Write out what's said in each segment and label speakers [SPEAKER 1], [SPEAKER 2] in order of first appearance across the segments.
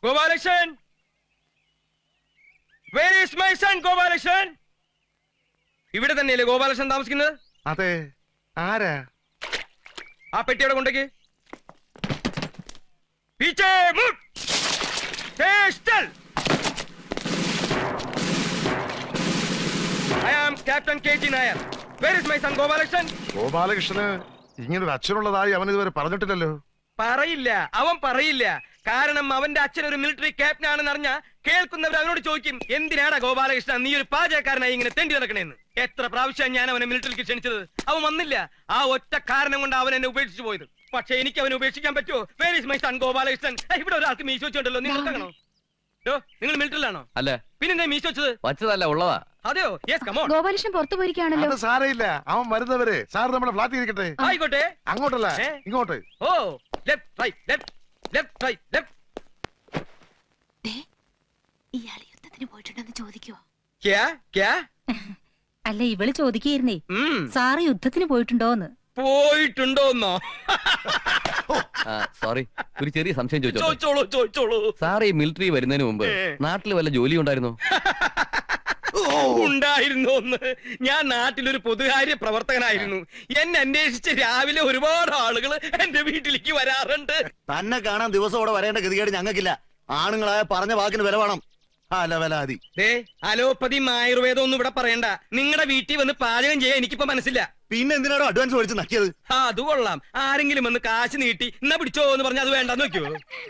[SPEAKER 1] Gopalakrishnan, where is my son Gopalakrishnan? ഇവിടെ തന്നെയല്ലേ ഗോപാലകൃഷ്ണൻ താമസിക്കുന്നത്?
[SPEAKER 2] അതെ. ആരാ?
[SPEAKER 1] ആ പെട്ടിയുടെ കൊണ്ടേക്ക്. പീച്ചേ മുട്ട്. സ്റ്റൽ. I am Captain KG Nair. Where is my son Gopalakrishnan?
[SPEAKER 2] ഗോപാലകൃഷ്ണന് ഇങ്ങനൊരു അച്ഛനുള്ളതായി അവൻ ഇതുവരെ പറഞ്ഞിട്ടില്ലല്ലോ.
[SPEAKER 1] പറയില്ല, അവൻ പറയില്ല. കാരണം അവന്റെ അച്ഛൻ ഒരു മിലിറ്ററി ക്യാപ്റ്റൻ ആണെന്ന് അറിഞ്ഞ കേൾക്കുന്നവർ അവനോട് ചോദിക്കും, എന്തിനാടാ ഗോപാലകൃഷ്ണൻ നീ ഒരു പാചകക്കാരനായി ഇങ്ങനെ തെണ്ടി നടക്കണേന്ന്. എത്ര പ്രാവശ്യം ഞാൻ അവനെ മിലിറ്ററിക്ക് ക്ഷണിച്ചത്, അവൻ വന്നില്ല. ആ ഒറ്റ കാരണം കൊണ്ട് അവൻ എന്നെ ഉപേക്ഷിച്ചു പോയത്. പക്ഷെ എനിക്ക് അവനെ ഉപേക്ഷിക്കാൻ പറ്റുമോ? Where is my son Gopalakrishnan? ഇവിടെ ഒരാൾക്ക് മീശ വെച്ചുണ്ടല്ലോ, നിങ്ങൾ കാണോ? നിങ്ങൾ മിലിറ്ററിലാണോ?
[SPEAKER 3] അല്ല.
[SPEAKER 1] പിന്നെ മീശ വെച്ചത്
[SPEAKER 3] വച്ചതല്ല, ഉള്ളതാ.
[SPEAKER 1] അതെയോ? Yes, come on.
[SPEAKER 4] ഗോപാലകൃഷ്ണൻ പുറത്തു പോയിരിക്കുകയാണല്ലോ.
[SPEAKER 2] അത് സാരയില്ല, അവൻ വരുന്നവരെ സാർ നമ്മുടെ ഫ്ലാറ്റിൽ ഇരിക്കട്ടെ.
[SPEAKER 1] ആയിക്കോട്ടെ.
[SPEAKER 2] അങ്ങോട്ടല്ല, ഇങ്ങോട്ട്.
[SPEAKER 1] ഓ, left right left left right left.
[SPEAKER 4] ഇയാൾ യുദ്ധത്തിന് പോയിട്ടുണ്ടെന്ന് ചോദിക്കുവോ?
[SPEAKER 5] അല്ല, ഇവള് ചോദിക്കുകയായിരുന്നേ, സാറ് യുദ്ധത്തിന് പോയിട്ടുണ്ടോന്ന്.
[SPEAKER 1] പോയിട്ടുണ്ടോന്നോ?
[SPEAKER 3] സോറി, ഒരു ചെറിയ സംശയം
[SPEAKER 1] ചോദിച്ചോളൂ.
[SPEAKER 3] സാർ ഈ മിലിറ്ററി വരുന്നതിന് മുമ്പ് നാട്ടിൽ വല്ല ജോലി ഉണ്ടായിരുന്നോ?
[SPEAKER 1] ഉണ്ടായിരുന്നു. ഞാൻ നാട്ടിലൊരു പൊതുകാര്യ പ്രവർത്തകനായിരുന്നു. എന്നെ അന്വേഷിച്ച് രാവിലെ ഒരുപാട് ആളുകൾ എന്റെ വീട്ടിലേക്ക് വരാറുണ്ട്.
[SPEAKER 6] തന്നെ കാണാൻ ദിവസത്തോടെ വരേണ്ട ഗതികേട് ഞങ്ങൾക്കില്ല. ആണുങ്ങളായ പറഞ്ഞ വാക്കിന് വില വേണം.
[SPEAKER 1] അലോപ്പതി ആയുർവേദം ഒന്നും ഇവിടെ പറയണ്ട. നിങ്ങളുടെ വീട്ടിൽ വന്ന് പാചകം ചെയ്യാൻ എനിക്കിപ്പോ മനസ്സില്ല.
[SPEAKER 6] പിന്നെ എന്തിനാണോ അഡ്വാൻസ് മേടിച്ച് നക്കിയത്?
[SPEAKER 1] അത് കൊള്ളാം. ആരെങ്കിലും വന്ന് കാശ് നീട്ടി എന്നാ പിടിച്ചോ എന്ന് പറഞ്ഞാൽ അത് വേണ്ടെന്ന് വെക്കുവോ?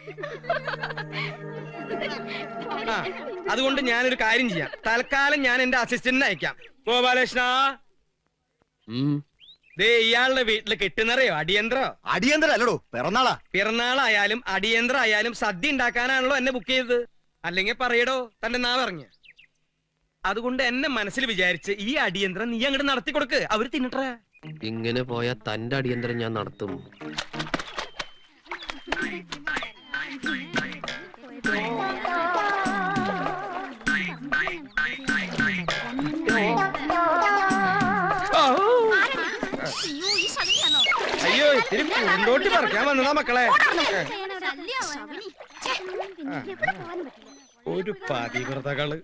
[SPEAKER 1] അതുകൊണ്ട് ഞാനൊരു കാര്യം ചെയ്യാം. തൽക്കാലം ഞാൻ എന്റെ അസിസ്റ്റന്റിനെ അയക്കാം. ഗോപാലകൃഷ്ണ, ഇയാളുടെ വീട്ടില് കിട്ടുന്നറിയോ അടിയന്തരോ?
[SPEAKER 6] അടിയന്തരം അല്ലടോ, പിറന്നാളാ.
[SPEAKER 1] പിറന്നാളായാലും അടിയന്തരം ആയാലും സദ്യ ഉണ്ടാക്കാനാണല്ലോ എന്നെ ബുക്ക് ചെയ്തത്. അല്ലെങ്കിൽ പറയടോ തന്റെ നാ പറഞ്ഞ. അതുകൊണ്ട് എന്നെ മനസ്സിൽ വിചാരിച്ച് ഈ അടിയന്തരം നീ അങ്ങോട്ട് നടത്തി കൊടുക്ക്, അവര് തിന്നിട്ടേ.
[SPEAKER 7] ഇങ്ങനെ പോയാ തന്റെ അടിയന്തരം ഞാൻ നടത്തും.
[SPEAKER 1] അയ്യോ, ഇത്തിരി പൂന്തോട്ടി പറിക്കാൻ വന്നതാ മക്കളെ. ഒരു പതിവ്രതകള്.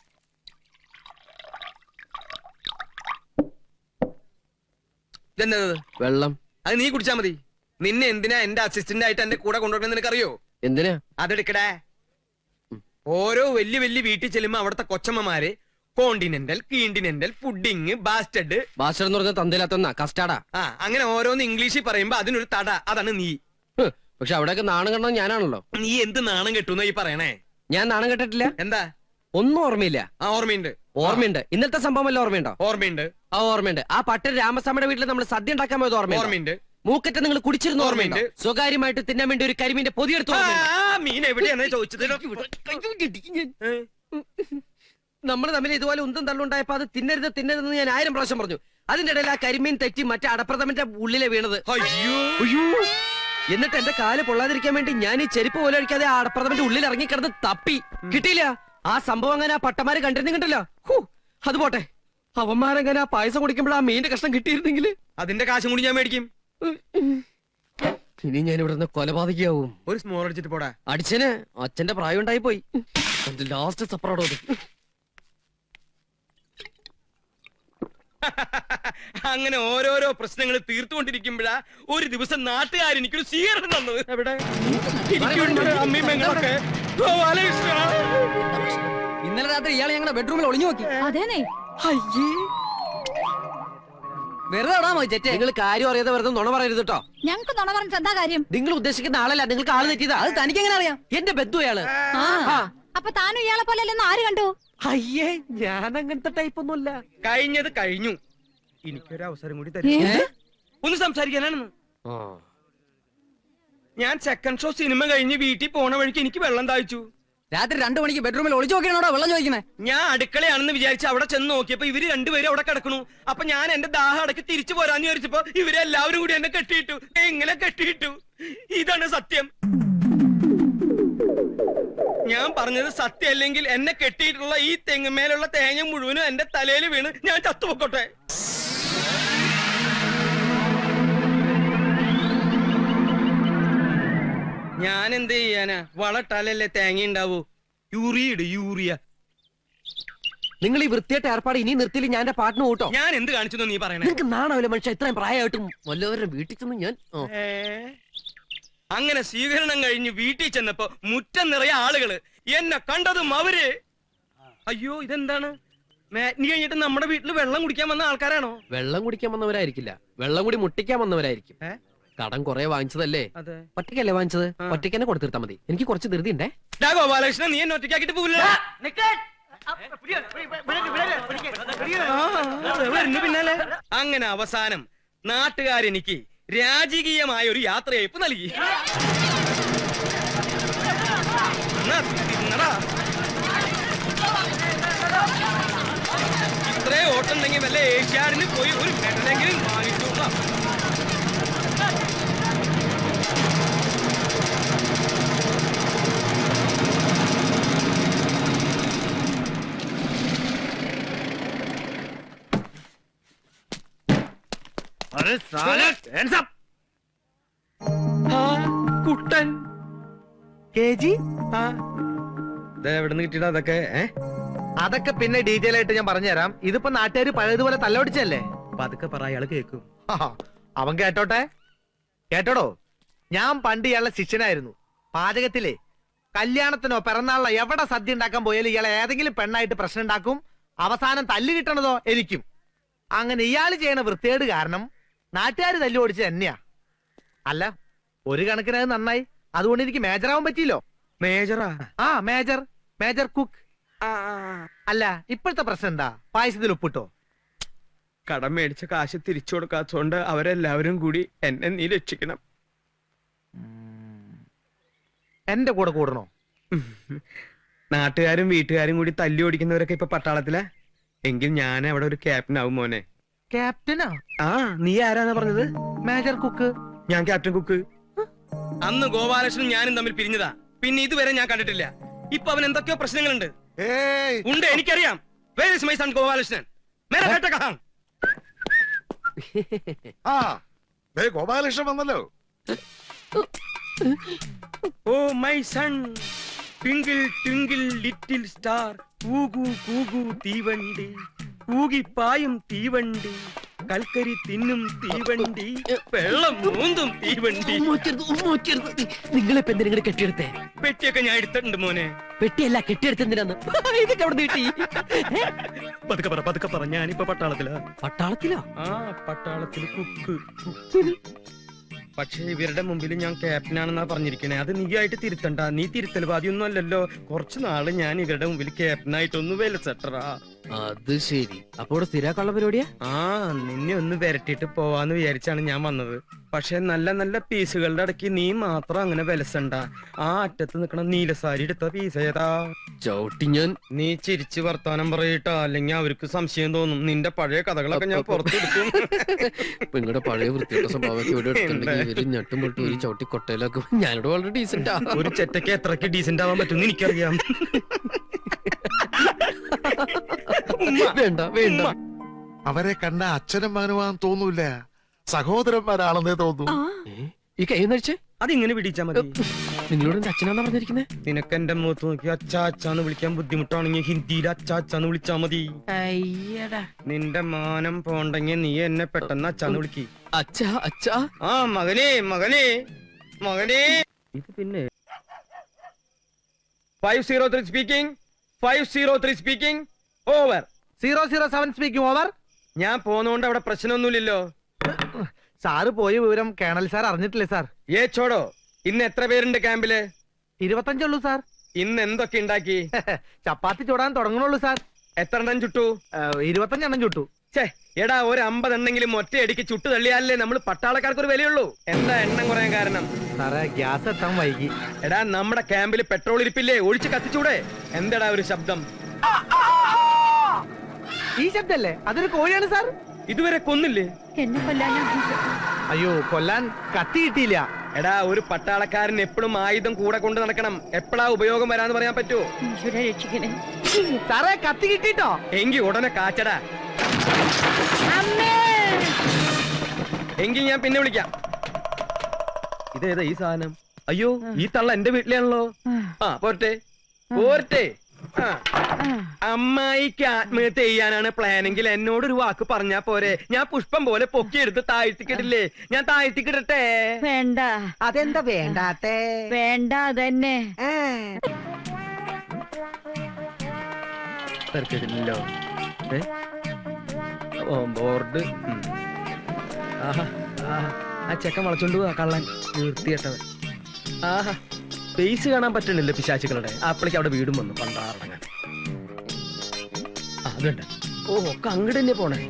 [SPEAKER 1] ഇതെന്നത്?
[SPEAKER 7] വെള്ളം.
[SPEAKER 1] അത് നീ കുടിച്ചാ മതി. നിന്നെ എന്തിനാ എന്റെ അസിസ്റ്റന്റ് ആയിട്ട് എന്റെ കൂടെ കൊണ്ടുവരണം നിനക്കറിയോ?
[SPEAKER 7] എന്തിനാ?
[SPEAKER 1] അതെടുക്കടേ. ഓരോ വലിയ വലിയ വീട്ടിൽ ചെല്ലുമ്പോ അവിടുത്തെ കൊച്ചമ്മമാര് കോണ്ടിനെന്റൽ, കീണ്ടിനെന്റൽ, പുഡിങ്, ബാസ്റ്റഡ്.
[SPEAKER 7] ബാസ്റ്റഡ് എന്ന് പറഞ്ഞ തന്തയിലാത്ത കസ്റ്റാർഡാ.
[SPEAKER 1] അങ്ങനെ ഓരോന്ന് ഇംഗ്ലീഷിൽ പറയുമ്പോ അതിനൊരു തട. അതാണ് നീ.
[SPEAKER 7] പക്ഷെ അവിടെയൊക്കെ നാണം കണ്ടത് ഞാനാണല്ലോ.
[SPEAKER 1] നീ എന്ത് നാണം കെട്ടുന്ന ഈ പറയണേ?
[SPEAKER 7] ഞാൻ നാണം കെട്ടിട്ടില്ല.
[SPEAKER 1] എന്താ?
[SPEAKER 7] ഒന്നും ഓർമ്മയില്ല.
[SPEAKER 1] ഓർമ്മയുണ്ട്.
[SPEAKER 7] ഓർമ്മയുണ്ട്. ഇന്നത്തെ സംഭവം വല്ല ഓർമ്മയുണ്ടോ?
[SPEAKER 1] ഓർമ്മയുണ്ട്.
[SPEAKER 7] ഓർമ്മയുണ്ട്. ആ പട്ടൻ രാമസ്വാമിയുടെ വീട്ടിൽ നമ്മൾ സദ്യ ഉണ്ടാക്കാൻ പോയത്
[SPEAKER 1] ഓർമ്മയുണ്ട്.
[SPEAKER 7] മൂക്കറ്റ നിങ്ങൾ കുടിച്ചിരുന്ന ഓർമ്മയുണ്ട്. സ്വകാര്യമായിട്ട് തിന്നാൻ വേണ്ടി ഒരു കരിമീന്റെ പൊതിയെടുത്ത്
[SPEAKER 1] മീൻ എവിടെയാണ് ചോദിച്ചത്?
[SPEAKER 7] നമ്മൾ തമ്മിൽ ഇതുപോലെ ഉന്തം തള്ളുണ്ടായപ്പോ അത് തിന്നരുതെന്ന് ഞാൻ 1000 പ്രാവശ്യം പറഞ്ഞു. അതിന്റെ ഇടയിൽ ആ കരിമീൻ തെറ്റി മറ്റേ അടപ്രഥമന്റെ ഉള്ളിലെ വീണത്. എന്നിട്ട് എന്റെ കാല് പൊള്ളാതിരിക്കാൻ വേണ്ടി ഞാൻ ഈ ചെരുപ്പ് പോലെ അടിക്കാതെ ആ അടപ്രഥമന്റെ ഉള്ളിൽ ഇറങ്ങിക്കിടന്ന് തപ്പി. കിട്ടിയില്ല. ആ സംഭവം അങ്ങനെ ആ പട്ടമാര് കണ്ടിരുന്നില്ല. അത് പോട്ടെ, അവന്മാരങ്ങനെ ആ പായസം കുടിക്കുമ്പോൾ ആ മീന്റെ കഷ്ണം കിട്ടിയിരുന്നെങ്കിൽ
[SPEAKER 1] അതിന്റെ കാശും കൂടി ഞാൻ മേടിക്കും.
[SPEAKER 7] ഇനി ഞാൻ ഇവിടെ നിന്ന് കൊലപാതകയാവും.
[SPEAKER 1] ഒരു സ്മോൾ അടിച്ചിട്ട് പോടാ.
[SPEAKER 7] അടിച്ചന് അച്ഛന്റെ പ്രായം ഉണ്ടായി പോയി. ലാസ്റ്റ് സപ്പറോടോ.
[SPEAKER 1] അങ്ങനെ ഓരോരോ പ്രശ്നങ്ങൾ തീർത്തുകൊണ്ടിരിക്കുമ്പോഴാ ഒരു ദിവസം നാട്ടുകാർ എനിക്കൊരു സ്വീകരണം തന്നത്. എവിടെ? അമ്മീമ്മങ്ങളൊക്കെ.
[SPEAKER 7] ഇന്നലെ രാത്രി ഇയാളെ ഞങ്ങളുടെ ബെഡ്റൂമിൽ ഒളിഞ്ഞു നോക്കി.
[SPEAKER 5] അതേനെ.
[SPEAKER 7] വെറുതെ നിങ്ങൾ കാര്യം അറിയാതെ വെറുതെ നുണ പറയരുത് കേട്ടോ.
[SPEAKER 5] ഞങ്ങൾക്ക് നുണ പറഞ്ഞിട്ട് എന്താ കാര്യം?
[SPEAKER 7] നിങ്ങൾ ഉദ്ദേശിക്കുന്ന ആളല്ല, നിങ്ങൾക്ക് ആള് തെറ്റിയതാ. അത് തനിക്ക് എങ്ങനെ അറിയാം? എന്റെ ബന്ധു അയാള്.
[SPEAKER 5] അപ്പൊ താനും ഇയാളെ പോലെ അല്ലെന്ന് ആര് കണ്ടു?
[SPEAKER 7] അയ്യേ, ഞാൻ അങ്ങനത്തെ ടൈപ്പ് ഒന്നുമല്ല.
[SPEAKER 1] കഴിഞ്ഞത് കഴിഞ്ഞു. എനിക്കൊരു അവസരം കൂടി തരും ഒന്ന് സംസാരിക്കാനാണെന്ന്. ഞാൻ സെക്കൻഡ് ഷോ സിനിമ കഴിഞ്ഞ് വീട്ടിൽ പോണ വഴിക്ക് എനിക്ക് വെള്ളം താഴ്ച്ചു.
[SPEAKER 7] രാത്രി 2 മണിക്ക് ബെഡ്റൂമിൽ ഒളിച്ചു നോക്കിയാണോ വെള്ളം ചോദിക്കുന്നത്?
[SPEAKER 1] ഞാൻ അടുക്കളയാണെന്ന് വിചാരിച്ച് അവിടെ ചെന്ന് നോക്കിയപ്പോ ഇവര് രണ്ടുപേരും അവിടെ കിടക്കണു. അപ്പൊ ഞാൻ എന്റെ ദാഹം അടക്കി തിരിച്ചു പോരാന്ന് വിചാരിച്ചപ്പോ ഇവരെല്ലാവരും കൂടി എന്നെ കെട്ടിയിട്ടു. എങ്ങനെ കെട്ടിയിട്ടു? ഇതാണ് സത്യം. ഞാൻ പറഞ്ഞത് സത്യം അല്ലെങ്കിൽ എന്നെ കെട്ടിയിട്ടുള്ള ഈ തെങ്ങുമേലുള്ള തേങ്ങ മുഴുവനും എന്റെ തലയിൽ വീണ് ഞാൻ ചത്തുപൊക്കോട്ടെ. ഞാൻ എന്ത് ചെയ്യാനാ? വളട്ടാലല്ലേ തേങ്ങ ഉണ്ടാവൂ. യൂറിയ.
[SPEAKER 7] നിങ്ങൾ ഈ വൃത്തിയായിട്ട് ഏർപ്പാട് ഇനി നിർത്തിയില്ല ഞാൻ എന്റെ പാട്ടിന് കൂട്ടോ.
[SPEAKER 1] ഞാൻ എന്ത് കാണിച്ചു നീ പറയണേ?
[SPEAKER 7] നിങ്ങൾക്ക് നാണാവില്ല മനുഷ്യ, ഇത്രയും പ്രായമായിട്ടും വല്ലവരുടെ വീട്ടിൽ ചെന്ന് ഞാൻ
[SPEAKER 1] അങ്ങനെ സ്വീകരണം കഴിഞ്ഞ് വീട്ടിൽ ചെന്നപ്പോ മുറ്റം നിറയെ ആളുകള്. എന്നെ കണ്ടതും അവര് അയ്യോ ഇതെന്താണ്? മാറ്റിനി കഴിഞ്ഞിട്ട് നമ്മുടെ വീട്ടിൽ വെള്ളം കുടിക്കാൻ വന്ന ആൾക്കാരാണോ?
[SPEAKER 7] വെള്ളം കുടിക്കാൻ വന്നവരായിരിക്കില്ല, വെള്ളം കൂടി മുട്ടിക്കാൻ വന്നവരായിരിക്കും. കടം കുറെ വാങ്ങിച്ചതല്ലേ? ഒറ്റയ്ക്കല്ലേ വാങ്ങിച്ചത്? ഒറ്റയ്ക്ക് തന്നെ കൊടുത്തിരുത്താ മതി. എനിക്ക് കുറച്ച് ധൃതി ഉണ്ടേ.
[SPEAKER 1] ഗോപാലകൃഷ്ണൻ, നീ എന്നെ ഒറ്റയ്ക്കാക്കിട്ട് പോവില്ല. പിന്നാലെ അങ്ങനെ അവസാനം നാട്ടുകാരെനിക്ക് രാജകീയമായ ഒരു യാത്രയയപ്പ് നൽകി. ഇത്രേ ഓട്ടുണ്ടെങ്കിൽ വല്ല ഏഷ്യാഡിന് പോയി ഒരു മെഡലെങ്കിലും വാങ്ങിച്ചോളാം. കുട്ടൻ എവിടുന്ന് കിട്ടിയിട്ടാ അതൊക്കെ?
[SPEAKER 8] അതൊക്കെ പിന്നെ ഡീറ്റെയിൽ ആയിട്ട് ഞാൻ പറഞ്ഞുതരാം. ഇതിപ്പോ നാട്ടുകാർ പഴയതുപോലെ തല്ലൊടിച്ചല്ലേ.
[SPEAKER 1] പതുക്കെ പറ, അയാള് കേൾക്കും.
[SPEAKER 8] അവൻ കേട്ടോട്ടെ. കേട്ടോടോ, ഞാൻ പണ്ട് ഇയാളുടെ ശിഷ്യനായിരുന്നു. പാചകത്തിലെ കല്യാണത്തിനോ പിറന്നാളിനോ എവിടെ സദ്യ ഉണ്ടാക്കാൻ പോയാലും ഇയാളെ ഏതെങ്കിലും പെണ്ണായിട്ട് പ്രശ്നം ഉണ്ടാക്കും. അവസാനം തല്ല് കിട്ടണതോ എനിക്കും. അങ്ങനെ ഇയാൾ ചെയ്യണ വൃത്തികേട് കാരണം നാട്ടുകാർ തല്ലു ഓടിച്ചത് തന്നെയാ. അല്ല, ഒരു കണക്കിന് അത് നന്നായി. അതുകൊണ്ട് എനിക്ക് മേജറാവാൻ പറ്റിയില്ലോ.
[SPEAKER 1] മേജറാ?
[SPEAKER 8] ആ, മേജർ കുക്ക്. അല്ല, ഇപ്പോഴത്തെ പ്രശ്നം എന്താ? പായസത്തിൽ ഉപ്പിട്ടോ?
[SPEAKER 1] കടം മേടിച്ച കാശ് തിരിച്ചു കൊടുക്കാത്തോണ്ട് അവരെല്ലാവരും കൂടി എന്നെ നീ രക്ഷിക്കണം.
[SPEAKER 8] എന്റെ കൂടെ കൂടണോ?
[SPEAKER 1] നാട്ടുകാരും വീട്ടുകാരും കൂടി തല്ലി ഓടിക്കുന്നവരൊക്കെ ഇപ്പൊ പട്ടാളത്തിലാ. എങ്കിൽ ഞാൻ അവിടെ ഒരു ക്യാപ്റ്റൻ ആവും മോനെ.
[SPEAKER 8] ക്യാപ്റ്റനാ?
[SPEAKER 1] ആ, നീ ആരാന്നാ പറഞ്ഞത്?
[SPEAKER 8] Major cook.
[SPEAKER 1] ഞാൻ ക്യാപ്റ്റൻ കുക്ക്. അന്ന് ഗോപാലകൃഷ്ണനും ഞാനും തമ്മിൽ പിരിഞ്ഞതാ. പിന്നെ ഇതുവരെ ഞാൻ കണ്ടിട്ടില്ല. ഇപ്പൊ അവൻ എന്തൊക്കെയോ പ്രശ്നങ്ങളുണ്ട്. ഉണ്ട്, എനിക്കറിയാം. Where is my son Gopalakrishnan? മേരാ ബേട്ട കഹാം?
[SPEAKER 2] ആ, ദേ ഗോപാലകൃഷ്ണൻ വന്നല്ലോ.
[SPEAKER 1] Oh my son, twinkle twinkle little star, കൂകു കൂകു തീവണ്ടി, കൂകിപ്പായും തീവണ്ടി, കൽക്കരി തിന്നും തീവണ്ടി, വെള്ളം മൂന്നും തീവണ്ടി.
[SPEAKER 7] നിങ്ങളിപ്പോ എന്തിനാ കെട്ടിയെടുത്തേ?
[SPEAKER 1] പെട്ടിയൊക്കെ ഞാൻ എടുത്തിട്ടുണ്ട് മോനെ.
[SPEAKER 7] പെട്ടിയല്ല, കെട്ടിയെടുത്തെന്തിനാന്ന്? ഇതൊക്കെ അവിടെ കിട്ടി.
[SPEAKER 1] പതുക്കെ പറ, ഞാനിപ്പോ പട്ടാളത്തിലാ.
[SPEAKER 7] പട്ടാളത്തിലോ?
[SPEAKER 1] ആ, പട്ടാളത്തില് കുക്ക്. പക്ഷെ ഇവരുടെ മുമ്പിൽ ഞാൻ ക്യാപ്റ്റനാണെന്നാ പറഞ്ഞിരിക്കണേ. അത് നീ ആയിട്ട് തിരുത്തണ്ട. നീ തിരുത്തൽവാദിയൊന്നും അല്ലല്ലോ. കുറച്ചു നാള് ഞാൻ ഇവരുടെ മുമ്പിൽ ക്യാപ്റ്റനായിട്ടൊന്ന് വിലസെട്ടറാ.
[SPEAKER 7] അത് ശരി. അപ്പൊ സ്ഥിരാക്കുള്ള പരിപാടിയാ?
[SPEAKER 1] ആ, നിന്നെ ഒന്ന് വരട്ടിട്ട് പോവാന്ന് വിചാരിച്ചാണ് ഞാൻ വന്നത്. പക്ഷെ നല്ല നല്ല പീസുകളുടെ ഇടയ്ക്ക് നീ മാത്രം അങ്ങനെ വിലസണ്ട. ആ അറ്റത്ത് നിക്കണ നീലസാരി എടുത്ത പീസ് ഏതാ?
[SPEAKER 7] ചവിട്ടി ഞാൻ.
[SPEAKER 1] നീ ചിരിച്ച് വർത്താനം പറയട്ടാ, അല്ലെങ്കിൽ അവർക്ക് സംശയം തോന്നും. നിന്റെ പഴയ കഥകളൊക്കെ ഞാൻ പുറത്തെടുക്കും.
[SPEAKER 7] നിങ്ങളുടെ പഴയ വൃത്തിയുടെ സ്വഭാവമൊക്കെ ഇവിടെ എടുത്തിട്ടുണ്ടെങ്കിൽ ഇവര് ഞെട്ടും പൊട്ടും ഒരു ചവിട്ടി കൊട്ടയിലൊക്കെ. ഞാനിവിടെ വളരെ ഡീസന്റ്.
[SPEAKER 1] ഒരു ചെറ്റയ്ക്ക് എത്രക്ക് ഡീസന്റ് ആവാൻ പറ്റും എനിക്കറിയാം.
[SPEAKER 7] വേണ്ട വേണ്ട.
[SPEAKER 2] അവരെ കണ്ട അച്ഛനും മകനുമാണെന്ന് തോന്നൂല, സഹോദരന്മാരാണെന്നേ തോന്നൂ.
[SPEAKER 7] ഈ കൈ നടിച്ചേ
[SPEAKER 1] അതിങ്ങനെ പിടിച്ചാ മതി.
[SPEAKER 7] നിങ്ങളോട് എന്റെ അച്ഛനാന്നാ പറഞ്ഞിരിക്കുന്നേ?
[SPEAKER 1] നിനക്ക് എന്റെ മുഖത്ത് നോക്കി അച്ഛാ അച്ഛാന്ന് വിളിക്കാൻ ബുദ്ധിമുട്ടാണെങ്കിൽ ഹിന്ദിയിൽ അച്ഛാ അച്ഛാന്ന് വിളിച്ചാ മതി. നിന്റെ മാനം പോണ്ടെങ്കിൽ നീ എന്നെ പെട്ടെന്ന് അച്ഛാന്ന് വിളിക്ക്.
[SPEAKER 7] അച്ഛാ അച്ഛാ.
[SPEAKER 1] ആ, മകനേ മകനേ മകനേ. ഇത് പിന്നെ 503 speaking. 503 speaking. Over.
[SPEAKER 8] 007 speaking. Over.
[SPEAKER 1] ഞാൻ പോന്നോണ്ട് അവിടെ പ്രശ്നമൊന്നുമില്ലല്ലോ.
[SPEAKER 8] സാറ് പോയ വിവരം കേണൽ സാർ അറിഞ്ഞിട്ടില്ലേ സാർ?
[SPEAKER 1] ഏ ചോടോ, ഇന്ന് എത്ര പേരുണ്ട് ക്യാമ്പില്?
[SPEAKER 8] 25 ഉള്ളൂ സാർ.
[SPEAKER 1] ഇന്ന് എന്തൊക്കെ ഉണ്ടാക്കി?
[SPEAKER 8] ചപ്പാത്തി ചൂടാൻ തുടങ്ങണുള്ളൂ സാർ.
[SPEAKER 1] എത്ര എണ്ണം ചുട്ടു?
[SPEAKER 8] 25 എണ്ണം ചുട്ടു.
[SPEAKER 1] ഛേ, എടാ, ഒരു 50 എണ്ണെങ്കിലും ഒറ്റയടിക്ക് ചുട്ടു തള്ളിയാലേ നമ്മൾ പട്ടാളക്കാർക്ക് ഒരു വിലയുള്ളൂ. എന്താ എണ്ണം കുറയാൻ കാരണം?
[SPEAKER 8] സാറേ, ഗ്യാസ് എത്താൻ വൈകി.
[SPEAKER 1] എടാ, നമ്മുടെ ക്യാമ്പിൽ പെട്രോൾ ഇരിപ്പില്ലേ? ഒഴിച്ച് കത്തിച്ചൂടെ? എന്താടാ ഒരു ശബ്ദം?
[SPEAKER 8] ഈ ശബ്ദല്ലേ? അതൊരു കോഴിയാണ് സാർ.
[SPEAKER 1] ഇതുവരെ കൊന്നില്ലേ?
[SPEAKER 4] എന്നെ കൊല്ലാനാ?
[SPEAKER 8] അയ്യോ, കൊല്ലാൻ കത്തി കിട്ടിയില്ല.
[SPEAKER 1] എടാ, ഒരു പട്ടാളക്കാരൻ എപ്പോഴും ആയുധം കൂടെ കൊണ്ട് നടക്കണം. എപ്പോഴാ ഉപയോഗം വരാന്ന് പറയാൻ പറ്റുമോ?
[SPEAKER 4] ഈശ്വരാ രക്ഷിക്കണേ.
[SPEAKER 8] സാറേ, കത്തി കിട്ടിട്ടോ?
[SPEAKER 1] എങ്കി ഉടനെ കാച്ചടാ. എങ്കിൽ ഞാൻ പിന്നെ വിളിക്കാം. ഇതേതാ ഈ സാധനം? അയ്യോ ഈ തള്ള എന്റെ വീട്ടിലാണല്ലോ. ആ പോരട്ടെ പോരട്ടെ. ആ അമ്മായിക്ക് ആത്മഹത്യ ചെയ്യാനാണ് പ്ലാനെങ്കിൽ എന്നോടൊരു വാക്ക് പറഞ്ഞാ പോരെ. ഞാൻ പുഷ്പം പോലെ പൊക്കിയെടുത്ത് താഴ്ത്തിക്കിടില്ലേ? ഞാൻ താഴ്ത്തിക്കിടട്ടെ?
[SPEAKER 4] വേണ്ട.
[SPEAKER 8] അതെന്താ വേണ്ടാത്തേ?
[SPEAKER 4] വേണ്ട അതന്നെ.
[SPEAKER 1] തെരക്കിടില്ലല്ലോ. ബോർഡ്. ആഹാ ആഹാ ആ ചെക്കൻ വളച്ചോണ്ട് പോവാ കള്ളൻ വൃത്തികെട്ടവൻ. ആഹാ ഫേസ് കാണാൻ പറ്റണില്ല പിശാചുക്കളുടെ. അപ്പളേക്ക് അവിടെ വീടും വന്നു പണ്ടാറടങ്ങാൻ. അതുണ്ട്. ഓ ഒക്കെ അങ്ങോട്ട് തന്നെ പോണേ.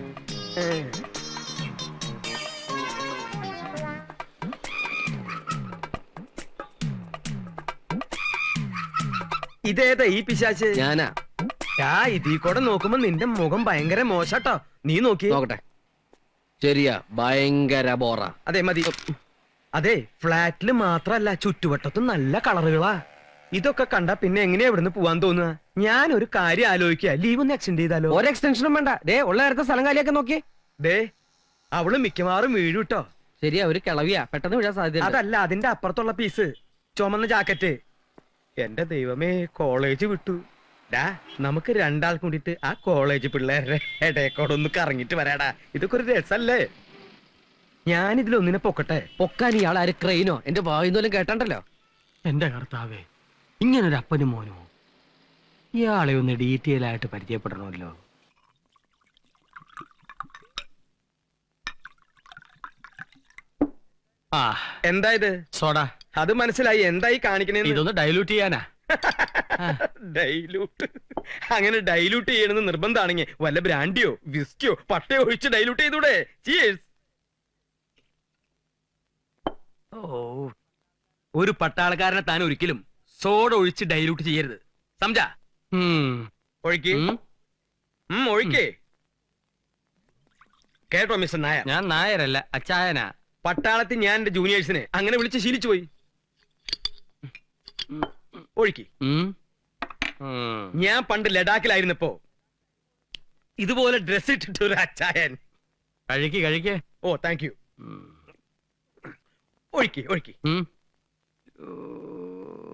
[SPEAKER 1] ഇതേതാ ഈ പിശാച്ച്?
[SPEAKER 3] ഞാനാ.
[SPEAKER 1] ഇതീ കൂടെ നോക്കുമ്പോ നിന്റെ മുഖം ഭയങ്കര മോശാട്ടോ. നീ നോക്കി
[SPEAKER 3] നോക്കട്ടെ. ശരിയാ, ഭയങ്കര ബോറ.
[SPEAKER 1] അതെ മതി. അതെ ഫ്ലാറ്റില് മാത്രല്ല ചുറ്റുവട്ടത്തും നല്ല കളറുകളാ. ഇതൊക്കെ കണ്ടാ പിന്നെ എങ്ങനെയാ ഇവിടുന്ന് പോവാൻ തോന്നുക? ഞാൻ ഒരു കാര്യം ആലോചിക്കുക, ലീവ് ഒന്ന് എക്സ്റ്റെൻഡ് ചെയ്താലോ?
[SPEAKER 7] ഒരു എക്സ്റ്റൻഷനും വേണ്ട. ഉള്ള നേരത്തെ സ്ഥലം കാലിയൊക്കെ നോക്കി.
[SPEAKER 1] ദേ അവള് മിക്കവാറും വീഴും കേട്ടോ.
[SPEAKER 7] ശരിയാ, ഒരു കിളവിയാ, പെട്ടെന്ന് വീഴാൻ സാധ്യത.
[SPEAKER 1] അതല്ല അതിന്റെ അപ്പുറത്തുള്ള പീസ്, ചുമന്ന ജാക്കറ്റ്. എന്റെ ദൈവമേ, കോളേജ് വിട്ടു. ഡാ നമുക്ക് രണ്ടാൾ കൂടിയിട്ട് ആ കോളേജ് പിള്ളേരുടെ ഇടയക്കോടൊന്ന് കറങ്ങിട്ട് വരാടാ. ഇതൊക്കെ ഒരു രസല്ലേ? ഞാനിതിലൊന്നിനെ പൊക്കട്ടെ.
[SPEAKER 7] പൊക്കാൻ ഇയാൾ ആര് ക്രെയിനോ? എന്റെ വായുന്നോലും കേട്ടണ്ടല്ലോ.
[SPEAKER 9] എന്റെ കർത്താവേ, ഇങ്ങനൊരു അപ്പനും മോനോ? ഇയാളെ ഒന്ന് ഡീറ്റെയിൽ ആയിട്ട് പരിചയപ്പെടണമല്ലോ. ആ
[SPEAKER 1] എന്താ ഇത്?
[SPEAKER 9] സോഡ.
[SPEAKER 1] അത് മനസ്സിലായി. എന്തായി കാണിക്കണേന്ന്?
[SPEAKER 9] ഇതൊന്ന് ഡൈലൂട്ട് ചെയ്യാനാ.
[SPEAKER 1] ഡൈലൂട്ട്? അങ്ങനെ ഡൈലൂട്ട് ചെയ്യണമെന്ന് നിർബന്ധമാണെങ്കിൽ വല്ല ബ്രാൻഡിയോ വിസ്കിയോ പട്ടയോ ഒഴിച്ച് ഡൈലൂട്ട് ചെയ്തൂടെ? ചീയേഴ്സ്.
[SPEAKER 9] ഓ, ഒരു പട്ടാളക്കാരനെ താൻ ഒരിക്കലും സോഡ ഒഴിച്ച് ഡൈലൂട്ട് ചെയ്യരുത്, സംജാ?
[SPEAKER 1] ഒഴിക്ക്. ഒഴിക്കേ. കേട്ടോ മിസ്റ്റർ നായർ?
[SPEAKER 9] ഞാൻ നായരല്ല, അച്ചായനാ.
[SPEAKER 1] പട്ടാളത്തിൽ ഞാൻ എന്റെ ജൂനിയേഴ്സിനെ അങ്ങനെ വിളിച്ച് ശീലിച്ചു പോയി. ഒഴിക്ക്. ഞാൻ പണ്ട് ലഡാക്കിലായിരുന്നപ്പോ ഇതുപോലെ ഡ്രസ് ഇട്ടിട്ട് ഒരു അച്ചായൻ.
[SPEAKER 9] കഴിക്കേ.
[SPEAKER 1] Oh thank you. ഒഴിക്ക് ഒഴിക്ക്.